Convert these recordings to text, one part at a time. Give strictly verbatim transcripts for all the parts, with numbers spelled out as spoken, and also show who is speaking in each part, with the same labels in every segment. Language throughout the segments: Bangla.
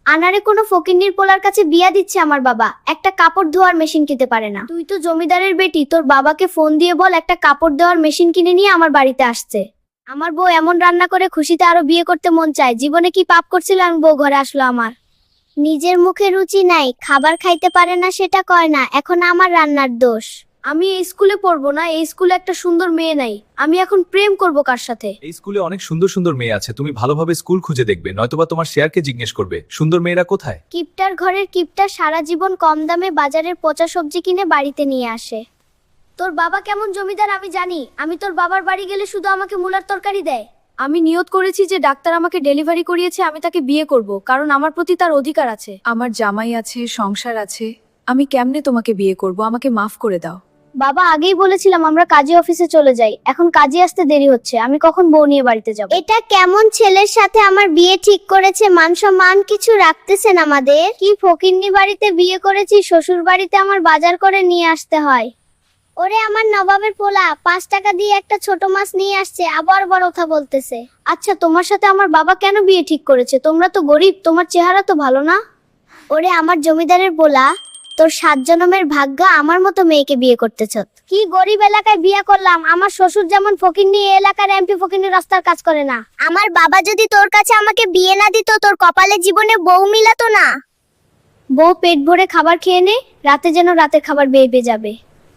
Speaker 1: আনারে কোনো ফকিন্নির পোলার কাছে বিয়া দিচ্ছে আমার বাবা, একটা কাপড় ধোয়ার মেশিন কিনতে পারে না। তুই তো জমিদারের বেটি, তোর বাবাকে ফোন দিয়ে বল একটা কাপড় দেওয়ার মেশিন কিনে নিয়ে আমার বাড়িতে আসছে। আমার বউ এমন রান্না করে খুশিতে আরো বিয়ে করতে মন চায়। জীবনে কি পাপ করছিলাম বউ ঘরে আসলো আমার। নিজের মুখে রুচি নাই, খাবার খাইতে পারে না সেটা কয় না, এখন আমার রান্নার দোষ। আমি এই স্কুলে পড়বো না, এই স্কুলে একটা সুন্দর মেয়ে নাই, আমি এখন প্রেম করব কার সাথে?
Speaker 2: এই স্কুলে অনেক সুন্দর সুন্দর মেয়ে আছে, তুমি ভালোভাবে স্কুল খুঁজে দেখবে, নয়তোবা তোমার শেয়ারকে জিজ্ঞেস করবে সুন্দর মেয়েরা কোথায়।
Speaker 1: কিপটার ঘরের কিপটা সারা জীবন কম দামে বাজারের পচা সবজি কিনে বাড়িতে নিয়ে আসে। তোর বাবা কেমন জমিদার আমি জানি, আমি তোর বাবার বাড়ি গেলে শুধু আমাকে মুলার তরকারি দেয়। আমি নিয়ত করেছি যে ডাক্তার আমাকে ডেলিভারি করিয়েছে, আমি তাকে বিয়ে করব, কারণ আমার প্রতি তার অধিকার আছে।
Speaker 3: আমার জামাই আছে, সংসার আছে, আমি কেমনে তোমাকে বিয়ে করব? আমাকে মাফ করে দাও।
Speaker 1: বাবা, আগেই বলেছিলাম আমরা কাজী অফিসে চলে যাই, এখন কাজী আসতে দেরি হচ্ছে, আমি কখন বউ নিয়ে বাড়িতে যাব? এটা কেমন ছেলের সাথে আমার বিয়ে ঠিক করেছে, মান সম্মান কিছু রাখতেছেন আমাদের? কি ফকিন্নি বাড়িতে বিয়ে করেছি, শ্বশুর বাড়িতে আমার বাজার করে নিয়ে আসতে হয়। ওরে আমার নবাবের পোলা, পাঁচ টাকা দিয়ে একটা ছোট মাছ নিয়ে আসছে, আবার বড় কথা বলতেছে। আচ্ছা, তোমার সাথে আমার বাবা কেন বিয়ে ঠিক করেছে? তোমরা তো গরিব, তোমার চেহারা তো ভালো না। ওরে আমার জমিদারের পোলা, তোর সাত জন্মের ভাগ্য আমার মতো মেয়েকে বিয়ে করতেছ। কি গরিব এলাকায় বিয়ে করলাম, আমার শ্বশুর যেমন ফকিন্নি, এই এলাকার এমপি ফকিন্নি রাস্তার কাজ করে না। আমার বাবা যদি তোর কাছে আমাকে বিয়ে না দিত, তোর কপালে জীবনে বউ মিলাতো না। বউ পেট ভরে খাবার খেয়ে নে, রাতে যেন রাতের খাবার বেয়ে বেয়ে যাবে।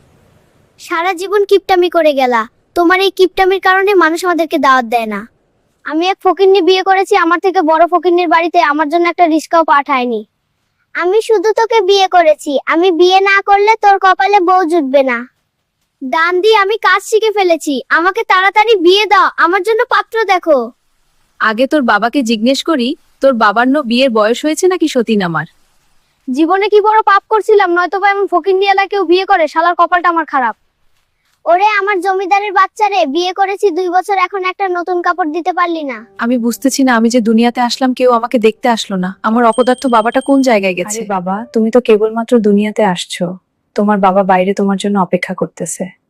Speaker 1: সারা জীবন কিপটামি করে গেলা, তোমার এই কিপটামির কারণে মানুষ আমাদেরকে দাওয়াত দেয় না। আমি এক ফকিন্নি বিয়ে করেছি, আমার থেকে বড় ফকিন্নির বাড়িতে আমার জন্য একটা রিস্কাও পাঠায়নি। আমি শুধু তোকে বিয়ে করেছি, আমি বিয়ে না করলে তোর কপালে বউ জুটবে না। দান দিয়ে আমি কাজ শিখে ফেলেছি, আমাকে তাড়াতাড়ি বিয়ে দাও, আমার জন্য পাত্র দেখো।
Speaker 3: আগে তোর বাবাকে জিজ্ঞেস করি, তোর বাবার ন বিয়ের বয়স হয়েছে নাকি সতীন আমার?
Speaker 1: জীবনে কি বড় পাপ করছিলাম, নয়তো বা এমন ফকিন্নি এলাকায় কেউ বিয়ে করে? শালার কপালটা আমার খারাপ। ওরে আমার জমিদারের বাচ্চারে, বিয়ে করেছি দুই বছর, এখন একটা নতুন কাপড় দিতে পারলি না।
Speaker 3: আমি বুঝতেছি না, আমি যে দুনিয়াতে আসলাম কেউ আমাকে দেখতে আসলো না। আমার অপদার্থ বাবাটা কোন জায়গায় গেছে? বাবা, তুমি তো কেবলমাত্র দুনিয়াতে আসছো, তোমার বাবা বাইরে তোমার জন্য অপেক্ষা করতেছে।